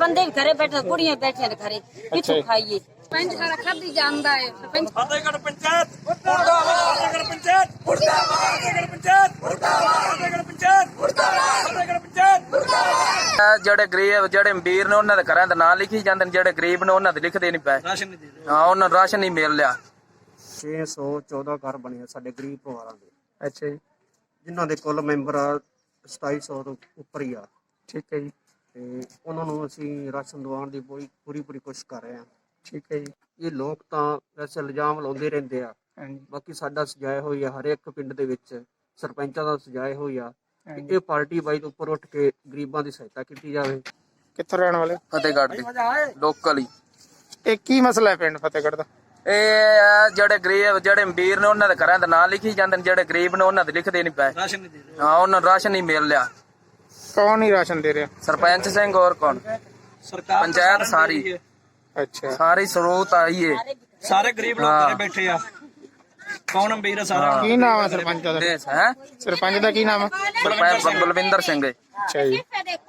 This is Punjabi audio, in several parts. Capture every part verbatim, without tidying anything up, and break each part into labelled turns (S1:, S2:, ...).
S1: ਬੰਦੇ ਵੀ ਘਰੇ ਬੈਠੇ, ਕੁੜੀਆਂ ਬੈਠੀਆਂ ਨੇ ਘਰੇ, ਕਿੱਥੋਂ ਖਾਈਏ?
S2: ਸਰਪੰਚ ਸਾਰਾ ਖਾਦੀ ਜਾਂਦਾ ਹੈ। ਸਰਪੰਚ
S3: ਫਤਿਹਗੜ੍ਹ ਪੰਚਾਇਤ ਮੁਰਦਾਬਾਦ, ਫਤਿਹਗੜ੍ਹ ਪੰਚਾਇਤ ਮੁਰਦਾਬਾਦ, ਫਤਿਹਗੜ੍ਹ ਪੰਚਾਇਤ ਮੁਰਦਾਬਾਦ, ਫਤਿਹਗੜ੍ਹ ਪੰਚਾਇਤ ਮੁਰਦਾਬਾਦ, ਫਤਿਹਗੜ੍ਹ ਪੰਚਾਇਤ ਮੁਰਦਾਬਾਦ।
S4: ਜਿਹੜੇ ਗਰੀਬ ਜਿਹੜੇ ਅਮੀਰ ਨੇ ਉਹਨਾਂ ਦੇ ਘਰਾਂ ਦੇ ਨਾਂ ਲਿਖੀ ਜਾਂਦੇ ਨੇ, ਜਿਹੜੇ ਗਰੀਬ ਨੇ ਉਹਨਾਂ ਦੇ ਲਿਖਦੇ ਨਹੀਂ ਪਏ।
S3: ਰਾਸ਼ਨ ਨਹੀਂ ਦੇ ਰਹੇ।
S4: ਹਾਂ, ਉਹਨਾਂ ਨੂੰ ਰਾਸ਼ਨ ਨਹੀਂ ਮਿਲ ਰਿਹਾ।
S5: ਛੇ ਸੌ ਚੌਦਾਂ ਘਰ ਬਣੇ ਆ ਸਾਡੇ ਗਰੀਬ ਪਰਿਵਾਰਾਂ ਦੇ।
S4: ਅੱਛਾ ਜੀ,
S5: ਜਿਨ੍ਹਾਂ ਦੇ ਕੁੱਲ ਮੈਂਬਰ ਆ ਸਤਾਈ ਸੌ ਤੋਂ ਉੱਪਰ ਹੀ ਆ।
S4: ਠੀਕ ਹੈ ਜੀ,
S5: ਤੇ ਉਹਨਾਂ ਨੂੰ ਅਸੀਂ ਰਾਸ਼ਨ ਦਿਵਾਉਣ ਦੀ ਪੂਰੀ ਪੂਰੀ ਪੂਰੀ ਕੋਸ਼ਿਸ਼ ਕਰ ਰਹੇ ਹਾਂ।
S4: ਠੀਕ ਹੈ ਜੀ।
S5: ਇਹ ਲੋਕ ਤਾਂ ਵੈਸੇ ਇਲਜ਼ਾਮ ਲਾਉਂਦੇ ਰਹਿੰਦੇ ਆ,
S4: ਹਾਂਜੀ,
S5: ਬਾਕੀ ਸਾਡਾ ਸਜਾਇਆ ਹੋਈ ਆ ਹਰ ਇੱਕ ਪਿੰਡ ਦੇ ਵਿੱਚ ਸਰਪੰਚਾਂ ਦਾ ਸਜਾਇਆ ਹੋਈ ਆ ਕਿ
S4: ਹਾਂਜੀ।
S5: ਇਹ ਪਾਰਟੀ ਬਾਈ ਤੋਂ ਉੱਪਰ ਉੱਠ ਕੇ ਗਰੀਬਾਂ ਦੀ ਸਹਾਇਤਾ ਕੀਤੀ ਜਾਵੇ।
S6: ਕਿੱਥੋਂ ਰਹਿਣ ਵਾਲੇ?
S4: ਫਤਿਹਗੜ੍ਹ ਦੇ ਲੋਕਲ ਹੀ।
S6: ਇਹ ਕੀ ਮਸਲਾ ਹੈ ਪਿੰਡ ਫਤਿਹਗੜ੍ਹ ਦਾ?
S4: ਇਹ ਆ ਜਿਹੜੇ ਗਰੀਬ ਜਿਹੜੇ ਅਮੀਰ ਨੇ ਉਹਨਾਂ ਦੇ ਘਰਾਂ ਦੇ ਨਾਂ ਲਿਖੀ ਜਾਂਦੇ ਨੇ, ਜਿਹੜੇ ਗਰੀਬ ਨੇ ਉਹਨਾਂ ਦੇ ਲਿਖਦੇ ਨਹੀਂ ਪਏ।
S3: ਰਾਸ਼ਨ ਨਹੀਂ ਦੇ ਰਹੇ।
S4: ਹਾਂ, ਉਹਨਾਂ ਨੂੰ ਰਾਸ਼ਨ ਨਹੀਂ ਮਿਲ ਰਿਹਾ।
S6: ਕੌਣ ਨਹੀਂ ਰਾਸ਼ਨ ਦੇ ਰਿਹਾ?
S4: ਸਰਪੰਚ ਸਿੰਘ ਹੋਰ ਕੌਣ?
S3: ਸਰਕਾਰ
S4: ਪੰਚਾਇਤ ਸਾਰੀ
S6: ਅੱਛਾ,
S4: ਸਾਰੀ ਸਰੋਤ ਆਈ ਹੈ।
S3: ਸਾਰੇ ਗਰੀਬ ਲੋਕ ਘਰੇ ਬੈਠੇ ਆ। ਕੌਣ ਅਮੀਰ ਆ ਸਾਰਾ?
S6: ਕੀ ਨਾਮ ਹੈ ਸਰਪੰਚ ਦਾ?
S4: ਦੇਸ਼ ਹੈ
S6: ਸਰਪੰਚ ਦਾ ਕੀ ਨਾਮ ਹੈ?
S4: ਸਰਪੰਚ ਬਲਵਿੰਦਰ ਸਿੰਘ ਹੈ।
S6: ਅੱਛਾ ਜੀ,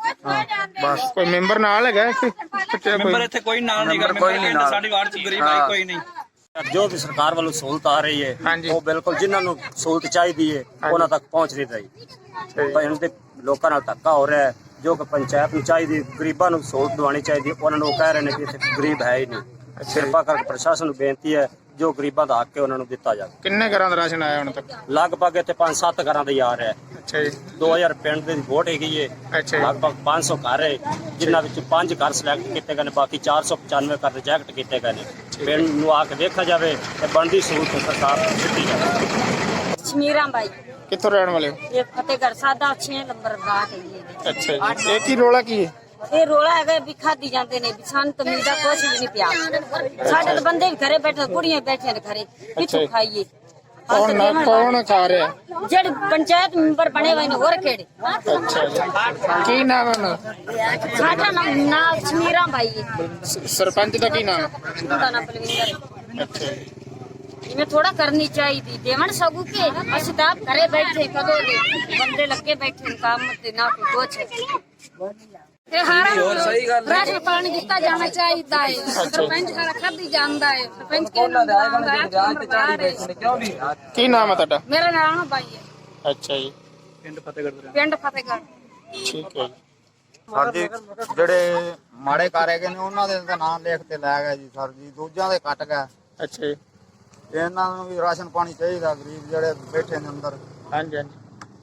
S4: ਬਸ
S6: ਕੋਈ ਮੈਂਬਰ ਨਾਲ ਹੈਗਾ ਇੱਥੇ? ਬੱਚਾ
S3: ਮੈਂਬਰ
S6: ਕੋਈ
S3: ਇੱਥੇ ਕੋਈ ਨਾਲ ਨਹੀਂ
S4: ਮੈਂਬਰ ਕੋਈ ਨਹੀਂ ਨਾਲ।
S3: ਸਾਡੀ ਵਾਰਡ ਚ ਗਰੀਬ
S4: ਹਾਂ।
S3: ਆਈ ਕੋਈ ਨਹੀਂ।
S7: ਜੋ ਵੀ ਸਰਕਾਰ ਵੱਲੋਂ ਸਹੂਲਤ ਆ ਰਹੀ ਹੈ
S6: ਹਾਂਜੀ।
S7: ਉਹ ਬਿਲਕੁਲ ਜਿਨ੍ਹਾਂ ਨੂੰ ਸਹੂਲਤ ਚਾਹੀਦੀ ਹੈ ਉਹਨਾਂ ਤੱਕ ਪਹੁੰਚ ਨਹੀਂ ਰਹੀ। ਪਰ ਇਹਨਾਂ ਦੇ ਲੋਕਾਂ ਨਾਲ ਧੱਕਾ ਹੋ ਰਿਹਾ ਹੈ। ਜੋ ਕਿ ਪੰਚਾਇਤ ਨੂੰ ਚਾਹੀਦੀ ਗਰੀਬਾਂ ਨੂੰ ਸਹੂਲਤ ਦਿਵਾਉਣੀ ਚਾਹੀਦੀ, ਉਹਨਾਂ ਨੂੰ ਉਹ ਕਹਿ ਰਹੇ ਨੇ ਕਿ ਇੱਥੇ ਗਰੀਬ ਹੈ ਹੀ ਨਹੀਂ। ਕਿਰਪਾ ਕਰਕੇ ਪ੍ਰਸ਼ਾਸਨ ਨੂੰ ਬੇਨਤੀ ਹੈ ਜੋ ਗਰੀਬਾਂ ਦਾ ਹੱਕ ਹੈ ਉਹਨਾਂ ਨੂੰ ਦਿੱਤਾ ਜਾਵੇ।
S6: ਕਿੰਨੇ ਘਰਾਂ ਦਾ ਰਾਸ਼ਨ ਆਇਆ ਹੁਣ ਤੱਕ?
S7: ਲਗਭਗ ਇੱਥੇ ਪੰਜ ਸੱਤ ਘਰਾਂ ਦਾ ਹੀ ਆ ਰਿਹਾ ਹੈ।
S6: ਅੱਛਾ ਜੀ,
S7: ਦੋ ਹਜ਼ਾਰ ਪਿੰਡ ਦੀ ਵੋਟ ਹੈਗੀ ਹੈ।
S6: ਅੱਛਾ ਜੀ,
S7: ਲਗਭਗ ਪੰਜ ਸੌ ਘਰ ਹੈ ਜਿਨ੍ਹਾਂ ਵਿੱਚ ਪੰਜ ਘਰ ਸਿਲੈਕਟ ਕੀਤੇ ਗਏ ਨੇ, ਬਾਕੀ ਚਾਰ ਸੌ ਪਚਾਨਵੇਂ ਘਰ ਰਿਜੈਕਟ ਕੀਤੇ ਗਏ ਨੇ। ਪਿੰਡ ਨੂੰ ਆ ਕੇ ਦੇਖਿਆ ਜਾਵੇ ਤੇ ਬਣਦੀ ਸਹੂਲਤ ਸਰਕਾਰ ਨੂੰ ਦਿੱਤੀ ਜਾਵੇ।
S1: ਸ਼ਮੀਰਾਂ ਬਾਈ,
S6: ਕਿੱਥੋਂ ਰਹਿਣ ਵਾਲੇ ਹੋ?
S1: ਇਹ ਫਤਿਹਗੜ੍ਹ ਸਾਦਾ ਛੇ ਨੰਬਰ ਦਾ ਹੈ ਜੀ।
S6: ਅੱਛਾ ਜੀ, ਇਹ ਕੀ ਰੋਲਾ ਕੀ ਹੈ?
S1: ਇਹ ਰੋਲਾ ਹੈਗਾ ਵੀ ਖਾਦੀ ਜਾਂਦੇ ਨੇ, ਵੀ ਸਾਨੂੰ ਤਾਂ ਮਿਲਦਾ ਕੁਛ ਵੀ ਨਹੀਂ ਪਿਆ। ਸਾਡੇ ਤਾਂ ਬੰਦੇ ਵੀ ਘਰੇ ਬੈਠੇ, ਕੁੜੀਆਂ ਬੈਠੀਆਂ ਨੇ ਘਰੇ, ਕਿੱਥੋਂ ਖਾਈਏ?
S6: ਕੌਣ ਨਾ ਕੌਣ ਖਾ ਰਿਹਾ?
S1: ਜਿਹੜੇ ਪੰਚਾਇਤ ਮੈਂਬਰ ਬਣੇ ਹੋਏ ਨੇ ਹੋਰ ਕਿਹੜੇ?
S6: ਅੱਛਾ ਜੀ, ਕੀ ਨਾਮ ਹੈ ਉਹਨਾਂ ਦਾ?
S1: ਸਾਡਾ ਨਾਮ ਨਾਮ ਸ਼ਮੀਰਾਂ ਬਾਈ ਹੈ।
S6: ਸ- ਸਰਪੰਚ ਦਾ ਕੀ ਨਾਮ ਹੈ?
S1: ਉਹਦਾ ਨਾਮ ਬਲਵਿੰਦਰ ਹੈ।
S6: ਅੱਛਾ ਜੀ,
S1: ਜਿਵੇਂ ਥੋੜਾ ਕਰਨੀ ਚਾਹੀਦੀ ਦੇਵਣ ਸਗੂ ਕੇ ਅਸੀਂ ਤਾਂ ਆਪ ਘਰੇ ਬੈਠੇ ਕਦੋਂ ਦੇ ਬੰਦੇ ਲੱਗੇ ਬੈਠੇ ਨੇ ਕੰਮ ਤੇ ਨਾ ਕੋਈ ਕੁਛ।
S2: ਇਹ ਹਾਰਾ
S4: ਸਹੀ ਗੱਲ ਹੈ।
S2: ਰਾਸ਼ਨ ਪਾਣੀ ਦਿੱਤਾ ਜਾਣਾ ਚਾਹੀਦਾ ਹੈ। ਸਰਪੰਚ ਸਾਰਾ ਖਾਦੀ ਜਾਂਦਾ ਹੈ। ਸਰਪੰਚ ਕਿਹਨੂੰ
S4: ਉਹਨਾਂ ਦੇ ਆਏ
S2: ਦਿਵਾਉਂਦਾ
S4: ਬੰਦੇ
S2: ਹੈ?
S4: ਜਾਨ ਤੇ ਚਾੜੀ ਬੈਠੇ ਨੇ, ਕਿਉਂ ਵੀ?
S6: ਕੀ ਨਾਮ ਹੈ ਤੁਹਾਡਾ?
S2: ਮੇਰਾ ਨਾਮ ਬਾਈ ਹੈ।
S6: ਅੱਛਾ ਜੀ,
S3: ਪਿੰਡ ਫਤਿਹਗੜ੍ਹ ਦੇ
S2: ਪਿੰਡ ਫਤਿਹਗੜ੍ਹ।
S6: ਠੀਕ ਹੈ ਜੀ।
S8: ਸਰ ਜੀ ਜਿਹੜੇ ਮਾੜੇ ਕਰ ਹੈਗੇ ਨੇ ਉਹਨਾਂ ਦੇ ਤਾਂ ਨਾਮ ਲਿਖ ਤੇ ਲੈ ਗਏ ਜੀ ਸਰ ਜੀ, ਦੂਜਿਆਂ ਦੇ ਕੱਟ ਗਏ।
S6: ਅੱਛਾ ਜੀ,
S8: ਇਹਨਾਂ ਨੂੰ ਵੀ ਰਾਸ਼ਨ ਪਾਣੀ ਚਾਹੀਦਾ, ਗਰੀਬ ਜਿਹੜੇ ਬੈਠੇ ਨੇ ਅੰਦਰ।
S6: ਹਾਂਜੀ ਹਾਂਜੀ,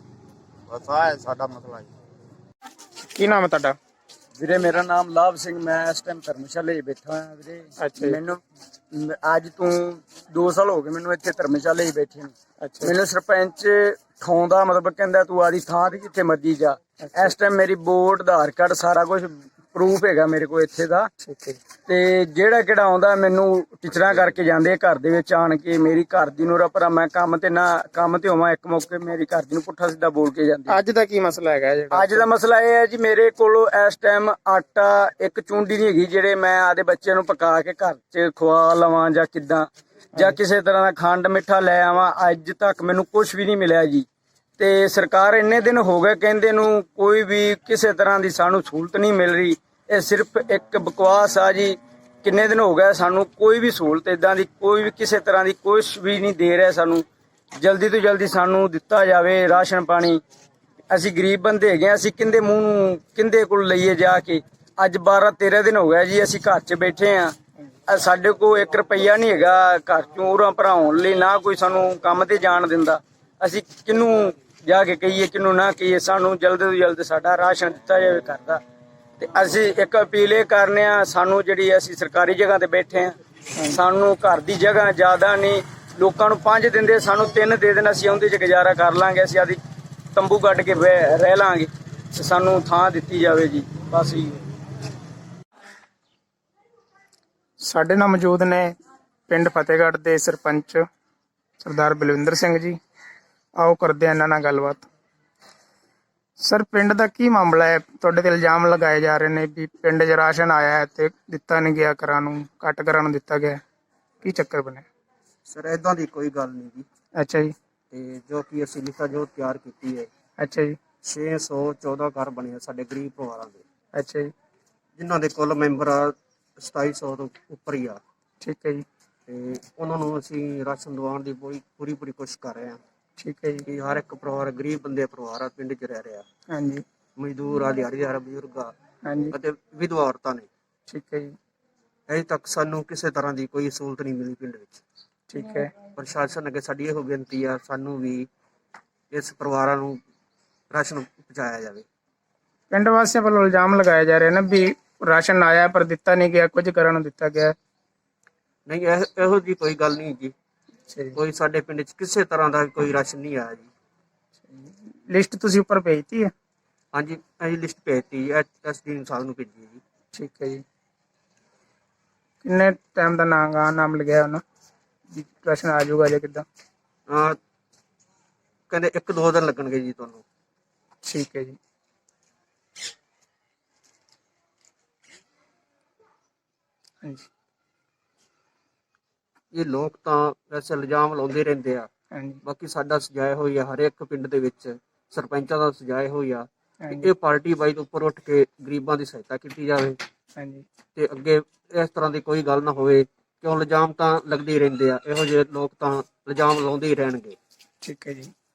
S8: ਬਸ ਆਹ ਹੈ ਸਾਡਾ ਮਸਲਾ ਜੀ।
S6: ਕੀ ਨਾਮ ਹੈ ਤੁਹਾਡਾ?
S9: ਵੀਰੇ ਮੇਰਾ ਨਾਮ ਲਾਭ ਸਿੰਘ, ਮੈਂ ਇਸ ਟਾਈਮ ਧਰਮਸ਼ਾਲੇ ਹੀ ਬੈਠਾ ਹਾਂ ਵੀਰੇ।
S6: ਅੱਛਾ ਜੀ।
S9: ਮੈਨੂੰ ਮ- ਅੱਜ ਤੋਂ ਦੋ ਸਾਲ ਹੋ ਗਏ ਮੈਨੂੰ ਇੱਥੇ ਧਰਮਸ਼ਾਲੇ ਹੀ ਬੈਠੇ ਨੂੰ।
S6: ਅੱਛਾ
S9: ਮੈਨੂੰ ਸਰਪੰਚ ਠਾਉਂਦਾ, ਮਤਲਬ ਕਹਿੰਦਾ ਤੂੰ ਆਦੀ ਥਾਂ ਤੇ ਜਿੱਥੇ ਮਰਜੀ ਜਾ। ਇਸ ਟਾਈਮ ਮੇਰੀ ਵੋਟ, ਆਧਾਰ ਕਾਰਡ, ਸਾਰਾ ਕੁਝ ਪ੍ਰੂਫ ਹੈਗਾ ਮੇਰੇ ਕੋਲ ਇੱਥੇ ਦਾ।
S6: ਠੀਕ ਹੈ,
S9: ਤੇ ਜਿਹੜਾ ਕਿਹੜਾ ਆਉਂਦਾ ਮੈਨੂੰ ਟੀਚਰਾਂ ਕਰਕੇ ਜਾਂਦੇ ਆ ਘਰ ਦੇ ਵਿੱਚ ਆਣ ਕੇ। ਮੇਰੀ ਘਰ ਦੀ ਨੂੰ ਰਪਰਾ ਮੈਂ ਕੰਮ ਤੇ ਨਾ ਕੰਮ ਤੇ ਹੋਵਾਂ, ਇੱਕ ਮੌਕੇ ਮੇਰੀ ਘਰ ਦੀ ਨੂੰ ਪੁੱਠਾ ਸਿੱਧਾ ਬੋਲ ਕੇ ਜਾਂਦੇ।
S6: ਅੱਜ ਦਾ ਕੀ ਮਸਲਾ ਹੈਗਾ ਜਿਹੜਾ?
S9: ਅੱਜ ਦਾ ਮਸਲਾ ਇਹ ਹੈ ਜੀ, ਮੇਰੇ ਕੋਲ ਇਸ ਟਾਈਮ ਆਟਾ ਇੱਕ ਚੁੰਡੀ ਨਹੀਂ ਹੈਗੀ ਜਿਹੜੇ ਮੈਂ ਆਦੇ ਬੱਚਿਆਂ ਨੂੰ ਪਕਾ ਕੇ ਘਰ 'ਚ ਖਵਾ ਲਵਾਂ ਜਾਂ ਕਿੱਦਾਂ, ਜਾਂ ਕਿਸੇ ਤਰ੍ਹਾਂ ਦਾ ਖੰਡ ਮਿੱਠਾ ਲੈ ਆਵਾਂ। ਅੱਜ ਤੱਕ ਮੈਨੂੰ ਕੁਝ ਵੀ ਨਹੀਂ ਮਿਲਿਆ ਜੀ। ਤੇ ਸਰਕਾਰ ਇੰਨੇ ਦਿਨ ਹੋ ਗਏ ਕਹਿੰਦੇ ਨੂੰ, ਕੋਈ ਵੀ ਕਿਸੇ ਤਰ੍ਹਾਂ ਦੀ ਸਾਨੂੰ ਸਹੂਲਤ ਨਹੀਂ ਮਿਲ ਰਹੀ। ਇਹ ਸਿਰਫ ਇੱਕ ਬਕਵਾਸ ਆ ਜੀ। ਕਿੰਨੇ ਦਿਨ ਹੋ ਗਏ ਸਾਨੂੰ ਕੋਈ ਵੀ ਸਹੂਲਤ ਇਦਾਂ ਦੀ, ਕੋਈ ਵੀ ਕਿਸੇ ਤਰ੍ਹਾਂ ਦੀ ਕੁਝ ਵੀ ਨਹੀਂ ਦੇ ਰਿਹਾ ਸਾਨੂੰ। ਜਲਦੀ ਤੋਂ ਜਲਦੀ ਸਾਨੂੰ ਦਿੱਤਾ ਜਾਵੇ ਰਾਸ਼ਨ ਪਾਣੀ। ਅਸੀਂ ਗਰੀਬ ਬੰਦੇ ਹੈਗੇ, ਅਸੀਂ ਕਿੰਦੇ ਮੂੰਹ ਨੂੰ ਕਿੰਦੇ ਕੋਲ ਲਈਏ ਜਾ ਕੇ। ਅੱਜ ਬਾਰਾਂ ਤੇਰਾਂ ਦਿਨ ਹੋ ਗਿਆ ਜੀ ਅਸੀਂ ਘਰ 'ਚ ਬੈਠੇ ਆ। ਸਾਡੇ ਕੋਲ ਇੱਕ ਰੁਪਈਆ ਨਹੀਂ ਹੈਗਾ ਘਰ 'ਚੋਂ ਉਰਾਂ ਭਰਾਉਣ ਲਈ, ਨਾ ਕੋਈ ਸਾਨੂੰ ਕੰਮ ਤੇ ਜਾਣ ਦਿੰਦਾ। ਅਸੀਂ ਕਿਹਨੂੰ ਜਾ ਕੇ ਕਹੀਏ, ਕਿਹਨੂੰ ਨਾ ਕਹੀਏ। ਸਾਨੂੰ ਜਲਦ ਤੋਂ ਜਲਦ ਸਾਡਾ ਰਾਸ਼ਨ ਦਿੱਤਾ ਜਾਵੇ ਘਰ ਦਾ। ਤੇ ਅਸੀਂ ਇੱਕ ਅਪੀਲ ਇਹ ਕਰਨੇ ਆ, ਸਾਨੂੰ ਜਿਹੜੀ ਅਸੀਂ ਸਰਕਾਰੀ ਜਗ੍ਹਾ ਤੇ ਬੈਠੇ ਆ, ਸਾਨੂੰ ਘਰ ਦੀ ਜਗ੍ਹਾ ਜ਼ਿਆਦਾ ਨਹੀਂ। ਲੋਕਾਂ ਨੂੰ ਪੰਜ ਦਿੰਦੇ, ਸਾਨੂੰ ਤਿੰਨ ਦੇ ਦੇਣ, ਅਸੀਂ ਉਹਦੇ 'ਚ ਗੁਜ਼ਾਰਾ ਕਰ ਲਾਂਗੇ। ਅਸੀਂ ਆਦੀ ਤੰਬੂ ਕੱਢ ਕੇ ਰਹਿ ਲਾਂਗੇ। ਤੇ ਸਾਨੂੰ ਥਾਂ ਦਿੱਤੀ ਜਾਵੇ ਜੀ, ਬਸ ਜੀ।
S6: ਸਾਡੇ ਨਾਲ ਮੌਜੂਦ ਨੇ ਪਿੰਡ ਫਤਿਹਗੜ੍ਹ ਦੇ ਸਰਪੰਚ ਸਰਦਾਰ ਬਲਵਿੰਦਰ ਸਿੰਘ ਜੀ। ਆਓ ਕਰਦੇ ਹਾਂ ਇਹਨਾਂ ਨਾਲ ਗੱਲਬਾਤ। ਸਰ, ਪਿੰਡ ਦਾ ਕੀ ਮਾਮਲਾ ਹੈ? ਤੁਹਾਡੇ ਤੇ ਇਲਜ਼ਾਮ ਲਗਾਏ ਜਾ ਰਹੇ ਨੇ ਵੀ ਪਿੰਡ 'ਚ ਰਾਸ਼ਨ ਆਇਆ ਹੈ ਤੇ ਦਿੱਤਾ ਨਹੀਂ ਗਿਆ, ਘਰਾਂ ਨੂੰ ਕੱਟ ਘਰਾਂ ਨੂੰ ਦਿੱਤਾ ਗਿਆ। ਕੀ ਚੱਕਰ ਬਣਿਆ?
S5: ਸਰ ਇਦਾਂ ਦੀ ਕੋਈ ਗੱਲ ਨਹੀਂ ਜੀ।
S6: ਅੱਛਾ ਜੀ,
S5: ਤੇ ਜੋ ਕਿ ਅਸੀਂ ਲਿਖਾ ਜੋ ਤਿਆਰ ਕੀਤੀ ਹੈ,
S6: ਅੱਛਾ ਜੀ,
S5: ਛੇ ਸੌ ਚੌਦਾਂ ਘਰ ਬਣੇ ਆ ਸਾਡੇ ਗਰੀਬ ਪਰਿਵਾਰਾਂ ਦੇ।
S6: ਅੱਛਾ ਜੀ,
S5: ਜਿਨ੍ਹਾਂ ਦੇ ਕੁੱਲ ਮੈਂਬਰ ਆ ਸਤਾਈ ਸੌ ਤੋਂ ਉੱਪਰ ਹੀ ਆ,
S6: ਠੀਕ ਹੈ ਜੀ।
S5: ਤੇ ਉਹਨਾਂ ਨੂੰ ਅਸੀਂ ਰਾਸ਼ਨ ਦਿਵਾਉਣ ਦੀ ਪੂਰੀ ਪੂਰੀ ਪੂਰੀ ਕੋਸ਼ਿਸ਼ ਕਰ ਰਹੇ ਹਾਂ
S6: ਠੀਕ ਹੈ ਜੀ।
S5: ਕਿ ਹਰ ਇੱਕ ਪਰਿਵਾਰ, ਗਰੀਬ ਬੰਦੇ ਪਰਿਵਾਰ ਆ ਪਿੰਡ 'ਚ ਰਹਿ ਰਿਹਾ,
S6: ਹਾਂਜੀ
S5: ਮਜ਼ਦੂਰ ਆ, ਦਿਹਾੜੀਦਾਰ ਬਜ਼ੁਰਗ ਆ
S6: ਹਾਂਜੀ
S5: ਅਤੇ ਵਿਧਵਾ ਔਰਤਾਂ ਨੇ।
S6: ਠੀਕ ਹੈ ਜੀ।
S5: ਅਜੇ ਤੱਕ ਸਾਨੂੰ ਕਿਸੇ ਤਰ੍ਹਾਂ ਦੀ ਕੋਈ ਸਹੂਲਤ ਨਹੀਂ ਮਿਲੀ ਪਿੰਡ ਵਿੱਚ।
S6: ਠੀਕ ਹੈ।
S5: ਪ੍ਰਸ਼ਾਸਨ ਅੱਗੇ ਸਾਡੀ ਇਹੋ ਬੇਨਤੀ ਆ, ਸਾਨੂੰ ਵੀ ਇਸ ਪਰਿਵਾਰਾਂ ਨੂੰ ਰਾਸ਼ਨ ਪਹੁੰਚਾਇਆ ਜਾਵੇ।
S6: ਪਿੰਡ ਵਾਸੀਆਂ ਵੱਲੋਂ ਇਲਜ਼ਾਮ ਲਗਾਇਆ ਜਾ ਰਿਹਾ ਨਾ ਵੀ ਰਾਸ਼ਨ ਆਇਆ ਪਰ ਦਿੱਤਾ ਨਹੀਂ ਗਿਆ, ਕੁਝ ਕਰਨ ਨੂੰ ਦਿੱਤਾ ਗਿਆ।
S5: ਨਹੀਂ, ਇਹ ਇਹੋ ਜੀ ਕੋਈ ਗੱਲ ਨਹੀਂ ਜੀ।
S6: ਅੱਛਾ ਜੀ।
S5: ਕੋਈ ਸਾਡੇ ਪਿੰਡ 'ਚ ਕਿਸੇ ਤਰ੍ਹਾਂ ਦਾ ਕੋਈ ਰਾਸ਼ਨ ਨਹੀਂ ਆਇਆ ਜੀ।
S6: ਲਿਸਟ ਤੁਸੀਂ ਉੱਪਰ ਭੇਜਤੀ ਹੈ?
S5: ਹਾਂਜੀ, ਅਸੀਂ ਲਿਸਟ ਭੇਜਤੀ ਐ ਐਸ ਡੀ ਸਾਹਿਬ ਨੂੰ ਭੇਜੀ ਜੀ।
S6: ਠੀਕ ਹੈ ਜੀ। ਕਿੰਨੇ ਟਾਈਮ ਦਾ ਨਾਮ ਨਾਮ ਲਿਖਿਆ ਉਹਨਾਂ ਵੀ ਰਾਸ਼ਨ ਆ ਜਾਊਗਾ ਜਾਂ ਕਿੱਦਾਂ?
S5: ਅਹ ਕਹਿੰਦੇ ਇੱਕ ਦੋ ਦਿਨ ਲੱਗਣਗੇ ਜੀ ਤੁਹਾਨੂੰ।
S6: ਠੀਕ ਹੈ ਜੀ। ਹਾਂਜੀ
S5: ਇਹ ਲੋਕ ਤਾਂ ਵੈਸੇ ਇਲਜ਼ਾਮ ਲਾਉਂਦੇ ਰਹਿੰਦੇ ਆ,
S6: ਹਾਂਜੀ
S5: ਬਾਕੀ ਸਾਡਾ ਸਜਾਏ ਹੋਈ ਆ ਹਰੇਕ ਪਿੰਡ ਦੇ ਵਿੱਚ ਸਰਪੰਚਾਂ ਦਾ ਸਜਾਏ ਹੋਈ ਆ ਕਿ
S6: ਹਾਂਜੀ
S5: ਇਹ ਪਾਰਟੀ ਵਾਈਜ਼ ਉੱਪਰ ਉੱਠ ਕੇ ਗਰੀਬਾਂ ਦੀ ਸਹਾਇਤਾ ਕੀਤੀ ਜਾਵੇ
S6: ਹਾਂਜੀ
S5: ਤੇ ਅੱਗੇ ਇਸ ਤਰ੍ਹਾਂ ਦੀ ਕੋਈ ਗੱਲ ਨਾ ਹੋਵੇ। ਕਿਉਂ ਇਲਜ਼ਾਮ ਤਾਂ ਲੱਗਦੇ ਹੀ ਰਹਿੰਦੇ ਆ, ਇਹੋ ਜਿਹੇ ਲੋਕ ਤਾਂ ਇਲਜ਼ਾਮ ਲਾਉਂਦੇ ਹੀ ਰਹਿਣਗੇ।
S6: ਠੀਕ ਹੈ ਜੀ।